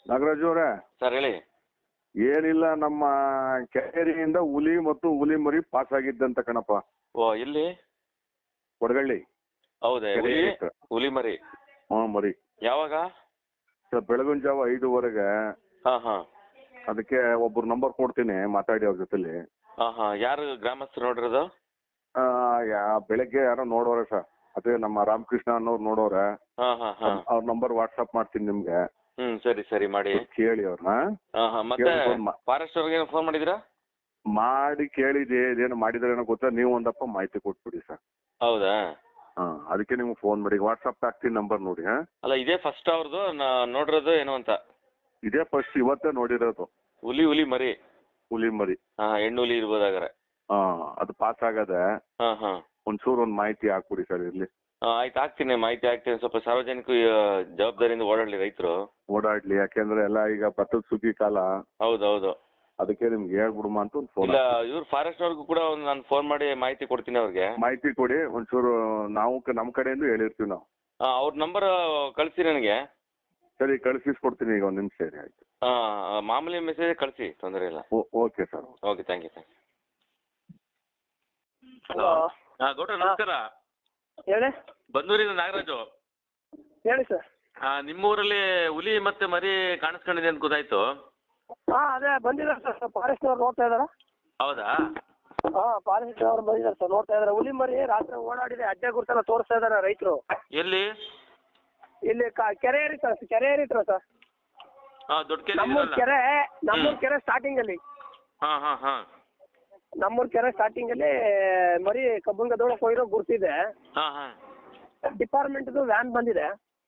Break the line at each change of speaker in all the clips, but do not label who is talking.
ನಾಗರಾಜು ಅವರೇ
ಸರ್ ಹೇಳಿ.
ಏನಿಲ್ಲ, ನಮ್ಮ ಕೆರೆಯಿಂದ ಹುಲಿ ಮತ್ತು ಹುಲಿ ಮರಿ ಪಾಸ್ ಆಗಿದ್ದಂತ ಕಣಪ್ಪ.
ಓ, ಎಲ್ಲಿ?
ಕೊಡಗಳ್ಳಿ.
ಹೌದಾ? ಹುಲಿ ಮರಿ?
ಮರಿ.
ಯಾವಾಗ?
ಸರ್ ಬೆಳಗಿನ ಜಾವ 5:15. ಅದಕ್ಕೆ ಒಬ್ರು ನಂಬರ್ ಕೊಡ್ತೀನಿ, ಮಾತಾಡಿ ಅವ್ರ ಜೊತೆಲಿ.
ಯಾರು ಗ್ರಾಮಸ್ಥರು ನೋಡಿರೋದು?
ಬೆಳಗ್ಗೆ ಯಾರೋ ನೋಡೋರೆ ಸರ್, ಅದೇ ನಮ್ಮ ರಾಮಕೃಷ್ಣ ಅನ್ನೋರು ನೋಡೋರೆ. ಅವ್ರ ನಂಬರ್ ವಾಟ್ಸ್ಆಪ್ ಮಾಡ್ತೀನಿ ನಿಮ್ಗೆ.
ಸರಿ ಸರಿ ಮಾಡಿ
ಕೇಳಿ ಅವ್ರನ್ನ.
ಮತ್ತೆ ಫಾರೆಸ್ಟ್ ಅವ್ರಿಗೆ ಫೋನ್ ಮಾಡಿದಿರಾ?
ಮಾಡಿ ಕೇಳಿದೆ, ಇದೇನು ಮಾಡಿದ್ರೇನೋ ಗೊತ್ತಾ, ನೀವು ಒಂದಪ್ಪ ಮಾಹಿತಿ ಕೊಟ್ಬಿಡಿ ಸರ್.
ಹೌದಾ?
ಅದಕ್ಕೆ ನಿಮ್ಗೆ ಫೋನ್ ಮಾಡಿ ವಾಟ್ಸ್ಆಪ್ ಹಾಕ್ತೀನಿ ನಂಬರ್ ನೋಡಿ.
ಅಲ್ಲ, ಇದೇ ಫಸ್ಟ್ ಅವ್ರದ್ದು ನೋಡಿರೋದು ಏನು ಅಂತ?
ಇದೇ ಫಸ್ಟ್, ಇವತ್ತೇ ನೋಡಿರೋದು.
ಹುಲಿ ಮರಿ?
ಹುಲಿ ಮರಿ.
ಹೆಣ್ಣು ಹುಲಿ ಇರ್ಬೋದಾಗಾರೆ.
ಅದು ಪಾಸ್ ಆಗದೆ. ಒಂಚೂರು ಒಂದು ಮಾಹಿತಿ ಹಾಕ್ಬಿಡಿ ಸರ್ ಇರ್ಲಿ.
ಆಯ್ತು, ಹಾಕ್ತೀನಿ, ಮಾಹಿತಿ ಹಾಕ್ತೀನಿ. ಸ್ವಲ್ಪ ಸಾರ್ವಜನಿಕ ಜವಾಬ್ದಾರಿಯಿಂದ ಓಡಾಡ್ಲಿ ರೈತರು.
ಓಡಾಡ್ಲಿ, ಯಾಕೆಂದ್ರೆ ಎಲ್ಲ ಈಗ ಭತ್ತದ ಸುಗ್ಗಿ ಕಾಲ.
ಹೌದೌದು.
ಅದಕ್ಕೆ ನಿಮ್ಗೆ ಹೇಳ್ಬಿಡುಮ ಅಂತ ಒಂದು ಫೋನ್.
ಇಲ್ಲ, ಇವ್ರು ಫಾರೆಸ್ಟ್ ಅವ್ರಿಗೂ ಕೂಡ ನಾನು ಫೋನ್ ಮಾಡಿ ಮಾಹಿತಿ ಕೊಡ್ತೀನಿ ಅವ್ರಿಗೆ.
ಮಾಹಿತಿ ಕೊಡಿ ಒಂಚೂರು, ನಾವು ನಮ್ಮ ಕಡೆಯಿಂದ ಹೇಳಿರ್ತೀವಿ ನಾವು.
ಅವ್ರ ನಂಬರ್ ಕಳಿಸಿ ನನಗೆ.
ಸರಿ, ಕಳಿಸ್ಕೊಡ್ತೀನಿ ಈಗ, ಒಂದು ನಿಮಿಷ ಸರಿ. ಆಯ್ತು.
ಮಾಮೂಲಿ ಮೆಸೇಜ್ ಕಳಿಸಿ, ತೊಂದರೆ ಇಲ್ಲ.
Okay sir.
Okay, thank you. Hello. ಗೌಡ್ರ ನಮಸ್ಕಾರ.
ಹೇಳಿ.
ಬಂದೂರಿಂದ ನಾಗರಾಜು.
ಹೇಳಿ ಸರ್.
ನಿಮ್ಮೂರಲ್ಲಿ ಹುಲಿ ಮತ್ತೆ ಮರಿ ಕಾಣಿಸ್ಕೊಂಡಿದೆ ಅಂತ ಗೊತ್ತಾಯ್ತು.
ಅದೇ ಬಂದಿದ್ದಾರೆ ಸರ್, ಫಾರೆಸ್ಟ್ ಅವ್ರು ನೋಡ್ತಾ ಇದಾರ.
ಹೌದಾ?
ಫಾರೆಸ್ಟ್ ಅವ್ರು ಬಂದಿದ್ದಾರೆ ಸರ್, ನೋಡ್ತಾ ಇದಾರೆ. ಹುಲಿ ಮರಿ ರಾತ್ರಿ ಓಡಾಡಿದೆ, ಅಡ್ಡೆ ಗುರುತೆಲ್ಲ ತೋರಿಸ್ತಾ ಇದಾರೆ ರೈತರು.
ಎಲ್ಲಿ?
ಇಲ್ಲಿ ಕೆರೆ ಏರಿತಾರೆ ಸರ್, ಕೆರೆ ಏರಿತ್ರ ಸರ್.
ದೊಡ್ಡ ಕೆರೆ?
ನಮ್ಮೂರ್ ಕೆರೆ ಸ್ಟಾರ್ಟಿಂಗ್ ಅಲ್ಲಿ. ನಮ್ಮೂರ್ ಕೆರೆ ಸ್ಟಾರ್ಟಿಂಗ್ ಅಲ್ಲಿ ಮರಿ ಕಬ್ಬುಂಗದೊಳಗೆ ಹೋಗಿರೋ ಗುರ್ತಿದೆ. ಡಿಪಾರ್ಟ್ಮೆಂಟ್ ವ್ಯಾನ್ ಬಂದಿದೆ.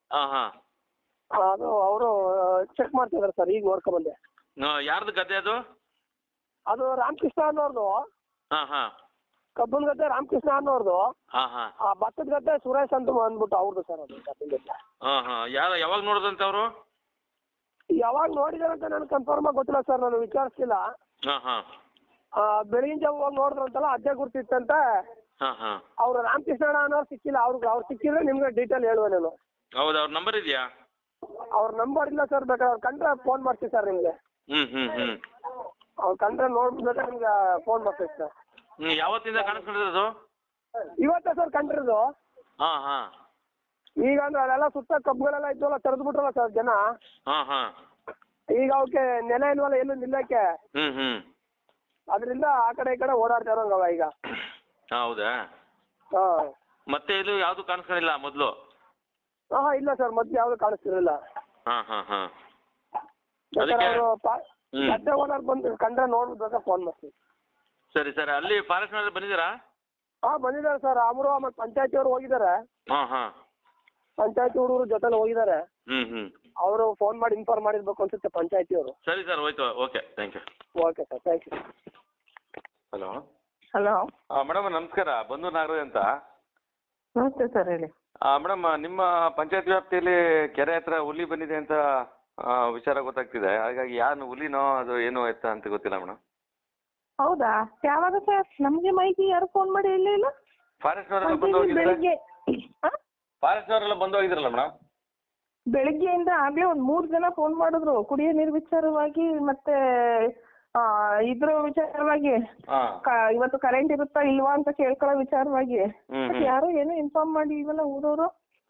ಅದು ಅವರು ಚೆಕ್ ಮಾಡ್ತಿದಾರೆ ಸರ್, ಈಗ ನೋಡ್ಕೊಂಡ್ ಬಂದೆ.
ಯಾರ್ದು ಗದ್ದೆ ಅದು?
ಅದು ರಾಮಕೃಷ್ಣ ಅನ್ನೋರ್ದು. ಕಬ್ಬನ್ ಗದ್ದೆ ರಾಮಕೃಷ್ಣ ಅನ್ನೋರ್ದು. ಭತ್ತದ ಗದ್ದೆ ಸುರೇಶ್ ಅಂತ ಅಂದ್ಬಿಟ್ಟು ಅವ್ರದ್ದು ಸರ್. ಅದು ಕಬ್ಬನ್ ಗದ್ದೆ.
ಯಾವಾಗ ನೋಡಿದಂತ ಅವರು?
ಯಾವಾಗ ನೋಡಿದಾರೆ ಅಂತ ನನ್ಗೆ ಕನ್ಫರ್ಮ್ ಆಗಿ ಗೊತ್ತಿಲ್ಲ ಸರ್, ನಾನು ವಿಚಾರಿಸ್ತಿಲ್ಲ. ಬೆಳಗಿನ ಜಾವ ಹೋಗಿ ನೋಡಿದ್ರಂತಲ್ಲ, ಅಜ್ಜ ಗುರ್ತಿತ್ತಂತ. ಅವ್ರು ರಾಮಕೃಷ್ಣ ಅನ್ನೋರು ಸಿಕ್ಕಿಲ್ಲ. ಅವ್ರು ಸಿಕ್ಕಿದ್ರೆ ನಿಮ್ಗೆ ಡೀಟೇಲ್ ಹೇಳುವ ನಾನು.
ಹೌದಾ? ಅವ್ರ ನಂಬರ್ ಇದೆಯಾ?
ಅವ್ರ ನಂಬರ್ ಇಲ್ಲ ಸರ್, ಬೇಕಾದ್ರೆ ಅವ್ರು ಕಂಡ್ರೆ ಫೋನ್ ಮಾಡ್ತೀವಿ ಸರ್ ನಿಮ್ಗೆ. ಅವ್ರು ಕಂಡ್ರೆ ನೋಡ್ಬಿಟ್ರೆ ನಿಮ್ಗೆ ಫೋನ್ ಮಾಡ್ತೀವಿ ಸರ್.
ಯಾವತ್ತಿಂದ ಕಾಣಿಸ್ಕೊಂಡಿರೋದು?
ಇವತ್ತೇ ಸರ್ ಕಂಡಿರೋದು. ಈಗ ಅಂದ್ರೆ ಅಲ್ಲೆಲ್ಲ ಸುತ್ತ ಕಬ್ಬುಗಳೆಲ್ಲ ಇದ್ವಲ್ಲ, ತೆರೆದು ಬಿಟ್ರಲ್ಲ ಸರ್ ಜನ. ಈಗ ಅವಕ್ಕೆ ನೆಲೆ ಇಲ್ವಲ್ಲ ಎಲ್ಲೂ ನಿಲ್ಲಕ್ಕೆ. ಅದರಿಂದ ಆ ಕಡೆ ಈ ಕಡೆ ಓಡಾಡ್ತಾ ಇರೋಂಗವ ಈಗ.
ಹೌದಾ? ಮತ್ತೆ ಇದು ಯಾವ್ದು ಕಾಣಿಸ್ಕೊಂಡಿಲ್ಲ ಮೊದಲು?
ಇಲ್ಲ ಸರ್, ಮೊದ್ಲು ಯಾವ್ದು ಕಾಣಿಸ್ತಿರಲಿಲ್ಲ. ಅವರು ಗದ್ದೆ ಓನರ್ ಬಂದು ಕಂಡ್ರೆ ನೋಡ್ಬಿಟ್ಟು ಫೋನ್ ಮಾಡ್ತೀವಿ.
ಸರಿ ಸರಿ. ಅಲ್ಲಿ ಫಾರೆಸ್ಟ್ ನಲ್ಲಿ ಬಂದಿದ್ದೀರಾ?
ಬಂದಿದ್ದಾರೆ ಸರ್. ಅವರು ಮತ್ತೆ ಪಂಚಾಯತಿ ಅವರು ಹೋಗಿದ್ದಾರೆ. ಪಂಚಾಯತಿ ಹುಡುಗರು ಜೊತೆಲಿ ಹೋಗಿದ್ದಾರೆ. ಅವರು ಫೋನ್ ಮಾಡಿ ಇನ್ಫಾರ್ಮ್ ಮಾಡಿರ್ಬೇಕು ಅನ್ಸುತ್ತೆ ಪಂಚಾಯತಿ ಅವರು.
ಸರಿ ಸರ್, ಹೋಯ್ತು. Okay, thank you.
Okay sir, thank you.
Hello.
Hello
madam ನಮಸ್ಕಾರ, ಬಂದೂರು ನಾಗರಾಜ್ ಅಂತ.
ನಮಸ್ತೆ ಸರ್, ಹೇಳಿ.
ಮೇಡಮ್, ನಿಮ್ಮ ಪಂಚಾಯತ್ ವ್ಯಾಪ್ತಿಯಲ್ಲಿ ಕೆರೆ ಹತ್ರ ಹುಲಿ ಬಂದಿದೆ ಅಂತ ವಿಚಾರ ಗೊತ್ತಾಗ್ತಿದೆ. ಹಾಗಾಗಿ ಯಾರು ಹುಲಿನೋ ಅದು ಏನೋ ಎತ್ತ ಅಂತ ಗೊತ್ತಿಲ್ಲ ಮೇಡಮ್.
ಹೌದಾ? ಯಾವಾಗ ಸರ್? ನಮಗೆ ಮಾಹಿತಿ ಯಾರು ಫೋನ್ ಮಾಡಿ ಇಲ್ಲ.
ಫಾರೆಸ್ಟ್ನವರೆಲ್ಲ ಬಂದು ಹೋಗಿದ್ದಾರೆ. ಫಾರೆಸ್ಟ್ನವರೆಲ್ಲ ಬಂದು ಹೋಗಿದ್ರಲ್ಲ ಮೇಡಮ್?
ಬೆಳಿಗ್ಗೆಯಿಂದ ಆಗ್ಲೇ ಒಂದ್ 3 ಜನ ಫೋನ್ ಮಾಡಿದ್ರು, ಕುಡಿಯೋ ನೀರು ವಿಚಾರವಾಗಿ ಮತ್ತೆ ಇದ್ರ ವಿಚಾರವಾಗಿ. ಇವತ್ತು ಕರೆಂಟ್ ಇರುತ್ತಾ ಇಲ್ವಾ ಅಂತ ಕೇಳ್ಕೊಳ್ಳೋ ವಿಚಾರವಾಗಿ. ಯಾರು ಏನು ಇನ್ಫಾರ್ಮ್ ಮಾಡಿ ಇಲ್ವಲ್ಲ ಊರವರು.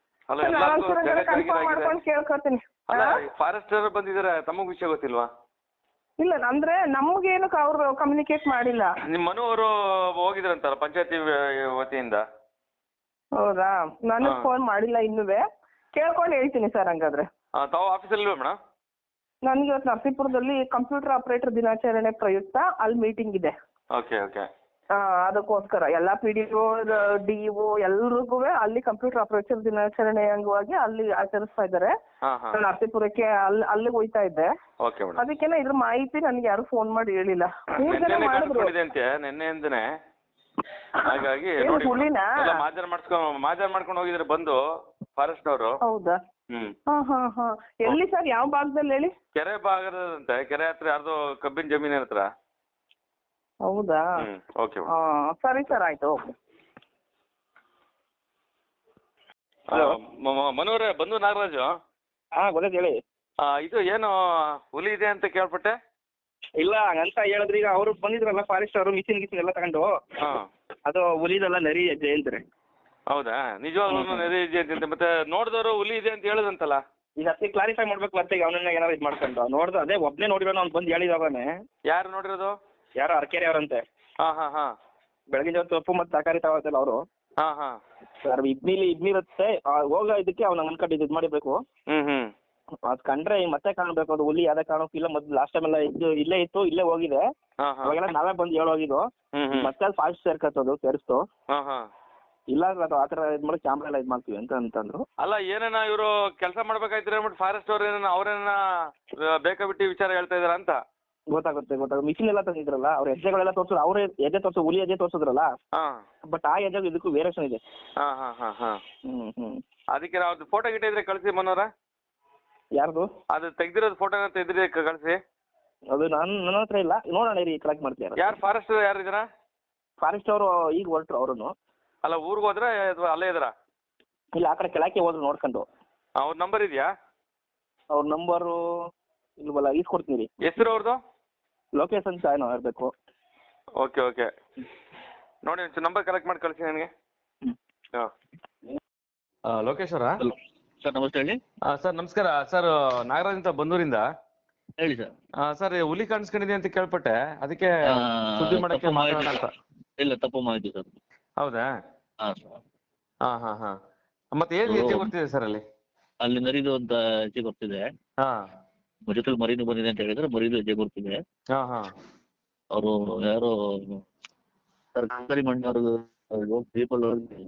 ಕನ್ಫರ್ಮ್ ಮಾಡ್ಕೊಂಡು ಕೇಳ್ಕೊತೀನಿ.
ಫಾರೆಸ್ಟ್ ಬಂದಿದ್ದಾರೆ, ತಮಗ್ ವಿಷಯ ಗೊತ್ತಿಲ್ವಾ?
ಇಲ್ಲ, ಅಂದ್ರೆ ನಮ್ಗೇನು ಅವ್ರು ಕಮ್ಯುನಿಕೇಟ್ ಮಾಡಿಲ್ಲ.
ನಿಮ್ಮ ಮನೆಯವರು ಹೋಗಿದ್ರಂತಲ್ಲ ಪಂಚಾಯತಿ ವತಿಯಿಂದ?
ಹೌದಾ? ನನಗೆ ಫೋನ್ ಮಾಡಿಲ್ಲ ಇನ್ನುವೆ. ಕೇಳ್ಕೊಂಡು ಹೇಳ್ತೀನಿ ಸರ್. ಹಂಗಾದ್ರೆ
ತಾವು ಆಫೀಸಲ್ಲಿ ಇಲ್ವಾ ಮೇಡಮ್?
ನನಗೆ ಇವತ್ತು ನರಸೀಪುರದಲ್ಲಿ ಕಂಪ್ಯೂಟರ್ ಆಪರೇಟರ್ ದಿನಾಚರಣೆ ಪ್ರಯುಕ್ತ ಅಲ್ಲಿ ಮೀಟಿಂಗ್ ಇದೆ.
Okay okay.
ಅದಕ್ಕೋಸ್ಕರ ಎಲ್ಲ PDO DO ಎಲ್ರಿಗೂ ಅಲ್ಲಿ ಕಂಪ್ಯೂಟರ್ ಆಪರೇಟರ್ ದಿನಾಚರಣೆ ಅಂಗವಾಗಿ ಅಲ್ಲಿ ಆಚರಿಸ್ತಾ ಇದ್ದಾರೆ. ನರಸೀಪುರಕ್ಕೆ ಅಲ್ಲಿಗೆ ಹೋಯ್ತಾ ಇದ್ದೆ. ಅದಕ್ಕೆಲ್ಲ ಇದ್ರ ಮಾಹಿತಿ ನನಗೆ ಯಾರು ಫೋನ್ ಮಾಡಿ ಹೇಳಿಲ್ಲ. 3 ಜನ ಮಾಡಿದ್ರು
ನಿನ್ನೆಯಿಂದನೇ. ಹಾಗಾಗಿ ಮಾಜರ್ ಮಾಡ್ಕೊಂಡು ಹೋಗಿದ್ರೆ ಬಂದು ಫಾರೆಸ್ಟ್ನವರು.
ಹೌದಾ? ಎಲ್ಲಿ ಸರ್? ಯಾವ ಭಾಗದಲ್ಲಿ ಹೇಳಿ?
ಕೆರೆ ಭಾಗದಂತೆ, ಕೆರೆ ಹತ್ರ ಯಾರ್ದು ಕಬ್ಬಿನ ಜಮೀನ್ ಹತ್ರ.
ಹೌದಾ?
ಓಕೆ.
ಸರಿ ಸರ್, ಆಯ್ತು.
ಮನೋರೇ, ಬಂದು ನಾಗರಾಜು.
ಗೊತ್ತಾಯ್ತು ಹೇಳಿ.
ಇದು ಏನು ಹುಲಿ ಇದೆ ಅಂತ ಕೇಳ್ಪಟ್ಟೆ.
ಇಲ್ಲ ಹಂಗಂತ ಹೇಳಿದ್ರೆ ಈಗ ಅವರು ಬಂದಿದ್ರಲ್ಲ ಫಾರೆಸ್ಟ್ ಅವರು ಮಿಷಿನ್ ಎಲ್ಲ ತಗೊಂಡು ಅದು ಹುಲಿದೆಲ್ಲ ನರಿ ಹೆಜ್ಜೆ ಹೇಳ್ತಾರೆ.
ಹೌದಾ? ನಿಜವಾಗ್ಲೂ ನರಿ ಇದೆ ಅಂತ ಮತ್ತೆ ನೋಡಿದವರು ಹುಲಿ ಇದೆ ಅಂತ ಹೇಳಿದಂತಲ್ಲ.
ಈಗ ಅದಕ್ಕೆ ಕ್ಲಾರಿಫೈ ಮಾಡ್ಬೇಕು ಮತ್ತೆ ಈಗ ಅವನನ್ನ ಏನಾದ್ರು ಇದು ಮಾಡ್ಕೊಂಡು ನೋಡ್ದು ಅದೇ ಒಬ್ಬನೇ ನೋಡಿರೋನು ಅವ್ನು ಬಂದು ಹೇಳಿದವನೇ.
ಯಾರು ನೋಡಿರೋದು?
ಯಾರೋ ಅರಕೆರೆ ಅವರಂತೆ. ಬೆಳಗಿನ ಜಾವ ಸೊಪ್ಪು ಮತ್ತು ತರಕಾರಿ ತಗೋತಲ್ಲ ಅವರು. ಸರ್ ಇದ್ನಿರುತ್ತೆ ಹೋಗೋ ಇದಕ್ಕೆ ಅವ್ನ ಅನ್ಕೊಂಡು ಇದು ಮಾಡಿರ್ಬೇಕು. ಅದ್ ಕಂಡ್ರೆ ಮತ್ತೆ ಕಾಣ್ಬೇಕು ಅದು ಹುಲಿ ಯಾವ್ದೇ ಕಾರಣಕ್ಕಿಲ್ಲ. ಮೊದ್ಲು ಲಾಸ್ಟ್ ಟೈಮ್ ಎಲ್ಲ ಇಲ್ಲೇ ಇತ್ತು, ಇಲ್ಲೇ ಹೋಗಿದೆ. ಅವಾಗೆಲ್ಲ ನಾವೇ ಬಂದು ಹೇಳೋಗಿದ್ದು. ಮತ್ತೆ ಅದು ಫಾಸ್ಟ್ ಸೇರ್ಕತ್ತದು ಸೇರಿಸ್ತು. ಇಲ್ಲ ಅದು ಆತರ ಇದ್ ಮಾಡಿ ಕ್ಯಾಮ್ರಾ ಎಲ್ಲ ಇದ್ ಮಾಡ್ತೀವಿ ಅಂತಂದ್ರು.
ಅಲ್ಲ ಏನೇನ ಇವರು ಕೆಲಸ ಮಾಡ್ಬೇಕಾಯ್ತು ಅಂದ್ಬಿಟ್ಟು ಫಾರೆಸ್ಟ್ ಅವ್ರೇನ ಬೇಕಾ ಬಿಟ್ಟು ವಿಚಾರ ಹೇಳ್ತಾ ಇದಾರ ಅಂತ
ಗೊತ್ತಾಗುತ್ತೆ. ಮಿಷಿನ್ ಎಲ್ಲ ತಂದಿದ್ರಲ್ಲ ಅವ್ರ ಹೆಜ್ಜೆಗಳೆಲ್ಲ ತೋರ್ಸಿದ್ರು. ಅವ್ರ ಹೆಜ್ಜೆ ತೋರ್ಸು ಹುಲಿ ಹೆಜ್ಜೆ ತೋರ್ಸಿದ್ರಲ್ಲ. ಬಟ್ ಆ ಹೆಜ್ಜೆ ಇದಕ್ಕೂ ವೇರಿಯೇಷನ್ ಇದೆ.
ಅದಕ್ಕೆ ನಾವು ಫೋಟೋ ಗಿಟ ಇದ್ರೆ ಕಳಿಸಿ ಮನೋರ.
ಯಾರ್ದು?
ಅದು ತೆಗ್ದಿರೋದು ಫೋಟೋ ತೆಗ್ದಿರಿ ಕಳಿಸಿ.
ಅದು ನನ್ನ ಹತ್ರ ಇಲ್ಲ, ನೋಡೋಣ ಇರಿ ಕಲೆಕ್ಟ್ ಮಾಡ್ತೀರಾ.
ಯಾರು ಫಾರೆಸ್ಟ್ ಯಾರಿದ್ದೀರಾ?
ಫಾರೆಸ್ಟ್ ಅವರು ಈಗ ಹೊರಟ್ರು ಅವ್ರನ್ನು.
ಅಲ್ಲ ಊರಿಗೆ ಹೋದ್ರೆ ಅಥವಾ ಅಲ್ಲೇ ಇದ್ರ?
ಇಲ್ಲ ಆ ಕಡೆ ಕೆಳಕ್ಕೆ ಹೋದ್ರು ನೋಡ್ಕೊಂಡು.
ಅವ್ರ ನಂಬರ್ ಇದೆಯಾ?
ಅವ್ರ ನಂಬರು ಇಲ್ವಲ್ಲ, ಈಸ್ಕೊಡ್ತೀನಿ.
ಹೆಸರು ಅವ್ರದ್ದು?
ಲೋಕೇಶ್ ಅಂತ ಏನೋ ಇರಬೇಕು.
ಓಕೆ ನೋಡಿ ಒಂಚೂರು ನಂಬರ್ ಕಲೆಕ್ಟ್ ಮಾಡಿ ಕಳಿಸಿ ನನಗೆ. ಲೋಕೇಶ್ ಅವರಾ?
ಸರ್ ನಮಸ್ತೆ ಹೇಳಿ.
ಸರ್ ನಮಸ್ಕಾರ. ಸರ್ ನಾಗರಾಜ್ ಅಂತ ಬಂದೂರಿಂದ.
ಹೇಳಿ ಸರ್.
ಸರ್ ಹುಲಿ ಕಾಣಿಸ್ಕೊಂಡಿದೆ ಅಂತ ಕೇಳ್ಪಟ್ಟೆ, ಅದಕ್ಕೆ ಸುದ್ದಿ ಮಾಡಕ್ಕೆ ಮಾತಾಡೋಣ ಅಂತ.
ಇಲ್ಲ ತಪ್ಪು ಮಾಹಿತಿ ಸರ್.
ಹೌದಾ? ಹಾ. ಮತ್ತೆ ಏನ್ ಹೆಜ್ಜೆ ಗೊತ್ತಿದೆ ಸರ್ ಅಲ್ಲಿ?
ಅಲ್ಲಿ ನರಿದು ಅಂತ ಹೆಜ್ಜೆ ಗೊತ್ತಿದೆ. ಜೊತೆಲಿ ಮರಿನು ಬಂದಿದೆ ಅಂತ ಹೇಳಿದ್ರೆ ಮರಿದು ಹೆಜ್ಜೆ ಗೊತ್ತಿದೆ. ಅವರು ಯಾರೋ ಸರ್ಕಾರಿ ಮಣ್ಣವ್ರು ಪೀಪಲ್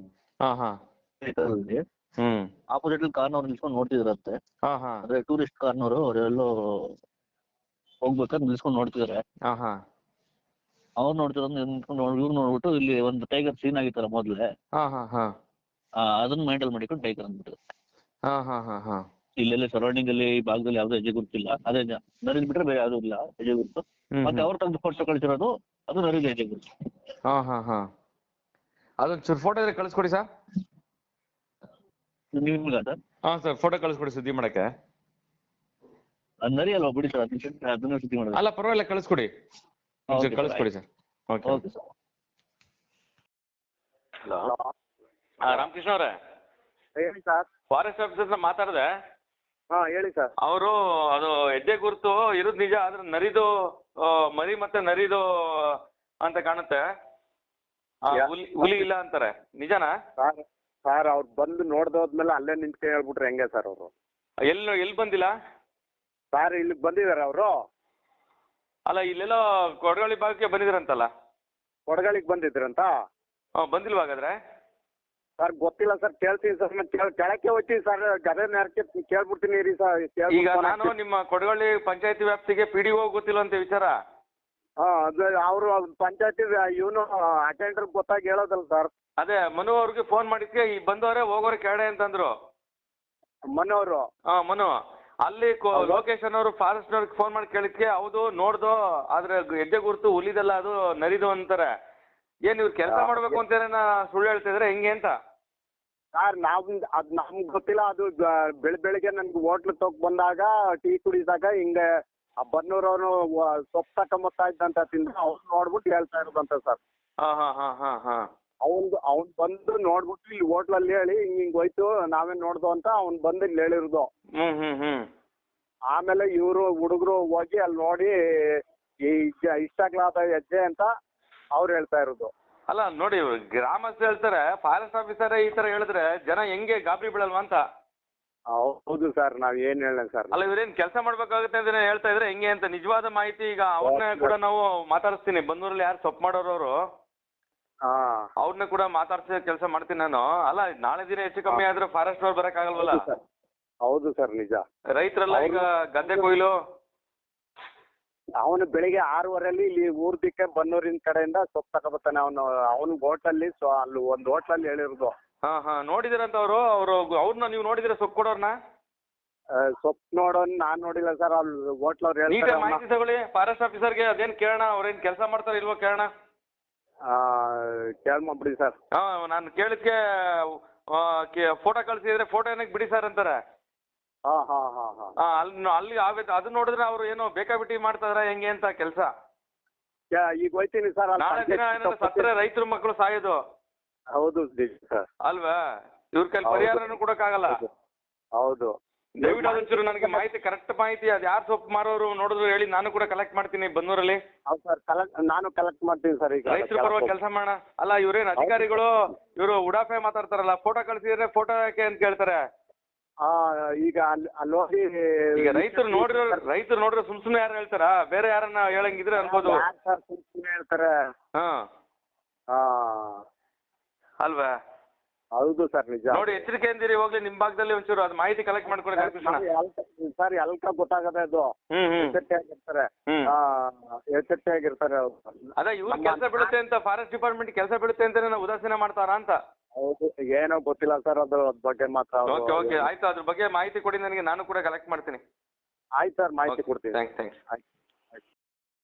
ಆಪೋಸಿಟ್ ಕಾರ್ನವ್ರು ನಿಲ್ಸ್ಕೊಂಡು ನೋಡ್ತಿದ್ರಂತೆ. ಅಂದ್ರೆ ಟೂರಿಸ್ಟ್ ಕಾರ್ನವರು ಅವರೆಲ್ಲೋ ಹೋಗ್ಬೇಕಾದ್ರೆ ನಿಲ್ಸ್ಕೊಂಡು ನೋಡ್ತಿದಾರೆ. ಅವ್ರು ನೋಡ್ತಿರೋದು ಇವ್ರು ನೋಡ್ಬಿಟ್ಟು ಇಲ್ಲಿ ಒಂದು ಟೈಗರ್ ಸೀನ್ ಆಗಿತ್ತಲ್ಲ ಮೊದ್ಲೇ, ಅದನ್ನ ಮೈಂಟಲ್ ಮಾಡಿಕೊಂಡು ಟೈಗರ್ ಅಂದ್ಬಿಟ್ಟು. ಇಲ್ಲೆಲ್ಲ ಸರೌಂಡಿಂಗ್ ಅಲ್ಲಿ ಈ ಭಾಗದಲ್ಲಿ ಯಾವ್ದು ಹೆಜ್ಜೆ ಗುರುತಿಲ್ಲ. ಅದೇ ನರಿದ್ ಬಿಟ್ರೆ ಬೇರೆ ಯಾವ್ದು ಇಲ್ಲ ಹೆಜ್ಜೆ ಗುರುತು. ಮತ್ತೆ ಅವ್ರು ತೆಗೆದು ಫೋಟೋ ಕಳಿಸಿರೋದು ಅದು ನರಿದ ಹೆಜ್ಜೆ ಗುರುತು.
ಅದೊಂಚೂರು ಫೋಟೋ ಇದ್ರೆ ಕಳಿಸ್ಕೊಡಿ ಸರ್.
ನಿಮ್ಗ ಸರ್?
ಸರ್ ಫೋಟೋ ಕಳಿಸ್ಕೊಡಿ ಸುದ್ದಿ ಮಾಡಕ್ಕೆ.
ಅದು ನರಿ ಅಲ್ವಾ ಬಿಡಿ ಸರ್, ಅದನ್ನ ಸುದ್ದಿ ಮಾಡೋದು.
ಅಲ್ಲ ಪರವಾಗಿಲ್ಲ ಕಳಿಸ್ಕೊಡಿ, ಕಳಿಸ್ಕೊಡಿ sir. Okay sir. Hello Ramakrishna ಅವರೇ?
ಹೇಳಿ ಸರ್.
ಫಾರೆಸ್ಟ್ ಆಫೀಸರ್ ಮಾತಾಡಿದೆ.
ಹೇಳಿ ಸರ್.
ಅವರು ಅದು ಹೆಜ್ಜೆ ಗುರುತು ಇರೋದು ನಿಜ, ಆದ್ರೆ ನರಿದು ಮರಿ ಮತ್ತೆ ನರಿದು ಅಂತ ಕಾಣುತ್ತೆ, ಹುಲಿ ಇಲ್ಲ ಅಂತಾರೆ. ನಿಜನಾ
ಸರ್? ಅವ್ರು ಬಂದು ನೋಡ್ದೋದ್ಮೇಲೆ ಅಲ್ಲೇ ನಿಂತ್ಕೊಂಡು ಹೇಳ್ಬಿಟ್ರೆ ಹೆಂಗೆ ಸರ್? ಅವರು
ಎಲ್ಲಿ ಬಂದಿಲ್ಲ
ಸರ್? ಇಲ್ಲಿ ಬಂದಿದ್ದಾರೆ ಅವರು.
ಅಲ್ಲ ಇಲ್ಲೆಲ್ಲೋ ಕೊಡಗಳಿ ಭಾಗಕ್ಕೆ ಬಂದಿದ್ರಂತಲ್ಲ.
ಕೊಡಗಳಿಗೆ ಬಂದಿದ್ರಂತ?
ಬಂದಿಲ್ವಾ ಹಾಗಾದ್ರೆ?
ಸರ್ ಗೊತ್ತಿಲ್ಲ ಸರ್, ಕೇಳ್ತೀನಿ ಸರ್. ಕೆಳಕ್ಕೆ ಹೋಗ್ತೀನಿ ಸರ್, ಗದೆ ನೆರಕ್ಕೆ ಕೇಳ್ಬಿಡ್ತೀನಿ ರೀ ಸರ್.
ಈಗ ನಾನು ನಿಮ್ಮ ಕೊಡಗಳ್ಳಿ ಪಂಚಾಯತಿ ವ್ಯಾಪ್ತಿಗೆ PDO ಗೊತ್ತಿಲ್ಲ ಅಂತ ವಿಚಾರ.
ಅದು ಅವರು ಪಂಚಾಯತಿ ಇವನು ಅಟೆಂಡರ್ ಗೊತ್ತಾಗಿ ಹೇಳೋದಲ್ಲ ಸರ್.
ಅದೇ ಮನು ಅವ್ರಿಗೆ ಫೋನ್ ಮಾಡಿದ್ಕೆ ಈ ಬಂದವರೇ ಹೋಗೋರೆ ಕೆಳಗಡೆ ಅಂತಂದ್ರು.
ಮನು ಅವರು?
ಮನು ಅಲ್ಲಿ ಲೊಕೇಶನ್ ಅವರು ಫಾರೆಸ್ಟ್ ಅವ್ರಿಗೆ ಫೋನ್ ಮಾಡಿ ಕೇಳಿದ್ಕೆ ಹೌದು ನೋಡ್ದು, ಆದ್ರೆ ಹೆಜ್ಜೆ ಗುರುತು ಹುಲಿದಲ್ಲ ಅದು ನರಿದು ಅಂತಾರೆ. ಏನ್ ಇವ್ರು ಕೆಲಸ ಮಾಡ್ಬೇಕು ಅಂತ ಸುಳ್ಳು ಹೇಳ್ತಿದ್ರೆ ಹೆಂಗೆ ಅಂತ?
ಸರ್ ಅದ್ ನಮ್ಗೆ ಗೊತ್ತಿಲ್ಲ. ಅದು ಬೆಳಿಗ್ಗೆ ನನ್ಗೆ ಹೋಟ್ಲು ತಗ್ ಬಂದಾಗ ಟೀ ಕುಡಿದಾಗ ಹಿಂಗೆ ಬನ್ನೂರವನು ಸೊಪ್ಪು ತಕೊಂಬತ್ತಾ ಇದ್ದಂತ ತಿಂದ್ರೆ ಅವ್ನು ನೋಡ್ಬಿಟ್ಟು ಹೇಳ್ತಾ ಇರೋದಂತ ಸರ್. ಅವ್ನ್ ಬಂದು ನೋಡ್ಬಿಟ್ಟು ಇಲ್ಲಿ ಹೋಟ್ಲಲ್ಲಿ ಹೇಳಿ ಹಿಂಗ್ ಹೋಯ್ತು ನಾವೇ ನೋಡ್ದು ಅಂತ ಅವ್ನ್ ಬಂದು ಇಲ್ಲಿ ಹೇಳಿರೋದು. ಆಮೇಲೆ ಇವರು ಹುಡುಗರು ಹೋಗಿ ಅಲ್ಲಿ ನೋಡಿ ಇಷ್ಟ ಆಗ್ಲಾದ ಹೆಜ್ಜೆ ಅಂತ ಅವ್ರು ಹೇಳ್ತಾ ಇರೋದು.
ಅಲ್ಲ ನೋಡಿ, ಗ್ರಾಮಸ್ಥರು ಹೇಳ್ತಾರೆ, ಫಾರೆಸ್ಟ್ ಆಫೀಸರ್ ಈ ತರ ಹೇಳಿದ್ರೆ ಜನ ಹೆಂಗೆ ಗಾಬರಿ ಬೀಳಲ್ವಾ ಅಂತ.
ಹೌದು ಸರ್, ನಾವ್ ಏನ್ ಹೇಳ ಸರ್.
ಅಲ್ಲ ಇವ್ರೇನ್ ಕೆಲಸ ಮಾಡ್ಬೇಕಾಗುತ್ತೆ ಅಂತ ಹೇಳ್ತಾ ಇದ್ರೆ ಹೆಂಗೆ ಅಂತ ನಿಜವಾದ ಮಾಹಿತಿ ಈಗ ಅವ್ರನ್ನ ಕೂಡ ನಾವು ಮಾತಾಡಿಸ್ತೀನಿ. ಬಂದೂರಲ್ಲಿ ಯಾರು ಸೊಪ್ಪು ಮಾಡೋರು ಅವ್ರನ್ನ ಕೂಡ ಮಾತಾಡ್ಸೋ ಕೆಲಸ ಮಾಡ್ತೀನಿ ನಾನು. ಅಲ್ಲ ನಾಳೆ ದಿನ ಹೆಚ್ಚು ಕಮ್ಮಿ ಆದ್ರೆ ಫಾರೆಸ್ಟ್ ಅವ್ರು ಬರಕ್ ಆಗಲ್ವಲ್ಲ?
ಹೌದು ಸರ್, ನಿಜ.
ರೈತರೆಲ್ಲ ಈಗ ಗದ್ದೆ ಕೊಯ್ಲು.
ಅವನು ಬೆಳಿಗ್ಗೆ 6:15 ಇಲ್ಲಿ ಊರ್ ದಿಕ್ಕೆ ಬನ್ನೂರಿನ ಕಡೆಯಿಂದ ಸೊಪ್ಪು ತಗೋಬತ್ತಾನೆ. ಅವನು ಹೋಟ್ಲಲ್ಲಿ ಅಲ್ಲಿ ಒಂದು ಹೋಟ್ಲಲ್ಲಿ ಹೇಳಿರೋದು.
ನೋಡಿದಿರಂತ ಅವ್ರನ್ನ ನೀವು ನೋಡಿದಿರ ಸೊಪ್ಪು ಕೊಡೋರ್ನ?
ಸೊಪ್ಪು ನೋಡೋನ್ ನಾನ್ ನೋಡಿಲ್ಲ ಸರ್. ಅಲ್ಲಿ ಹೋಟ್ಲವ್ರು ಹೇಳ್ತಾರೆ.
ಮಾಹಿತಿ ತಗೊಳ್ಳಿ ಫಾರೆಸ್ಟ್ ಆಫೀಸರ್ಗೆ, ಅದೇನ್ ಕೇಳೋಣ, ಅವ್ರೇನ್ ಕೆಲಸ ಮಾಡ್ತಾರ ಇಲ್ವೋ ಕೇಳೋಣ.
ಕೇಳ್ಬಿಡಿ ಸರ್.
ನಾನು ಕೇಳಿದ್ಕೆ ಫೋಟೋ ಕಳ್ಸಿದ್ರೆ ಫೋಟೋ ಏನಕ್ಕೆ ಬಿಡಿ ಸರ್ ಅಂತಾರೆ.
ಹಾ ಹಾ ಹಾ ಹಾ
ಅಲ್ಲಿ ಅದು ನೋಡಿದ್ರೆ ಅವ್ರು ಏನೋ ಬೇಕಾಬಿಟ್ಟಿ ಮಾಡ್ತಾರ ಹೆಂಗೆ ಅಂತ ಕೆಲಸ.
ಈಗ ಹೋಯ್ತೀನಿ ಸರ್.
ನಾಳೆ ದಿನ ಏನಾದ್ರು ಸತ್ತರೆ ರೈತರ ಮಕ್ಕಳು ಸಾಯೋದು.
ಹೌದು ಸರ್.
ಅಲ್ವಾ? ಇವ್ರ ಕೈಲಿ ಪರಿಹಾರನೂ ಕೊಡಕ್ಕಾಗಲ್ಲ.
ಹೌದು.
ದಯವಿಟ್ಟು ಅದೊಂಚೂರು ನನಗೆ ಮಾಹಿತಿ, ಕರೆಕ್ಟ್ ಮಾಹಿತಿ, ಅದು ಯಾರು ಸೊಪ್ಪು ಮಾರೋರು ನೋಡಿದ್ರು ಹೇಳಿ, ನಾನು ಕೂಡ ಕಲೆಕ್ಟ್ ಮಾಡ್ತೀನಿ ಬನ್ನೂರಲ್ಲಿ.
ಹೌದು ಸರ್, ನಾನು ಕಲೆಕ್ಟ್ ಮಾಡ್ತೀನಿ ಸರ್. ಈಗ
ರೈತರ ಪರವಾಗಿ ಕೆಲಸ ಮಾಡೋಣ. ಅಲ್ಲ ಇವ್ರೇನ್ ಅಧಿಕಾರಿಗಳು, ಇವರು ಉಡಾಫೆ ಮಾತಾಡ್ತಾರಲ್ಲ, ಫೋಟೋ ಕಳ್ಸಿದ್ರೆ ಫೋಟೋ ಯಾಕೆ ಅಂತ ಕೇಳ್ತಾರೆ.
ಈಗ ಅಲ್ಲಿ ಹೋಗಿ
ಈಗ ರೈತರು ನೋಡ್ರೆ ಸುಮ್ನೆ ಯಾರು ಹೇಳ್ತಾರ? ಬೇರೆ ಯಾರನ್ನ ಹೇಳಂಗಿದ್ರೆ ಅನ್ಬೋದು.
ಸುಮ್ಮನೆ ಹೇಳ್ತಾರೆ. ಅಲ್ವಾ? ಹೌದು ಸರ್, ನಿಜ.
ನೋಡಿ, ಎಚ್ಚರಿಕೆಯಿಂದಿರಿ. ಹೋಗ್ಲಿ ನಿಮ್ ಭಾಗದಲ್ಲಿ ಒಂಚೂರು ಅದು ಮಾಹಿತಿ ಕಲೆಕ್ಟ್ ಮಾಡ್ಕೊಳ್ಳಿ
ಸರ್. ಎಲ್ಕ ಗೊತ್ತಾಗದೆ ಅದು. ಎಚ್ಚರಿಕೆಯಾಗಿರ್ತಾರೆ ಅವ್ರು.
ಅದೇ ಇವ್ರು ಕೆಲಸ ಬೀಳುತ್ತೆ ಅಂತ, ಫಾರೆಸ್ಟ್ ಡಿಪಾರ್ಟ್ಮೆಂಟ್ ಕೆಲಸ ಬೀಳುತ್ತೆ ಅಂತ ಉದಾಸೀನ ಮಾಡ್ತಾರ ಅಂತ.
ಹೌದು, ಏನೋ ಗೊತ್ತಿಲ್ಲ ಸರ್ ಅದ್ರ ಬಗ್ಗೆ ಮಾತ್ರ.
ಓಕೆ ಆಯ್ತು, ಅದ್ರ ಬಗ್ಗೆ ಮಾಹಿತಿ ಕೊಡಿ ನನಗೆ, ನಾನು ಕೂಡ ಕಲೆಕ್ಟ್ ಮಾಡ್ತೀನಿ.
ಆಯ್ತು ಸರ್, ಮಾಹಿತಿ ಕೊಡ್ತೀನಿ.
ಥ್ಯಾಂಕ್ಸ್.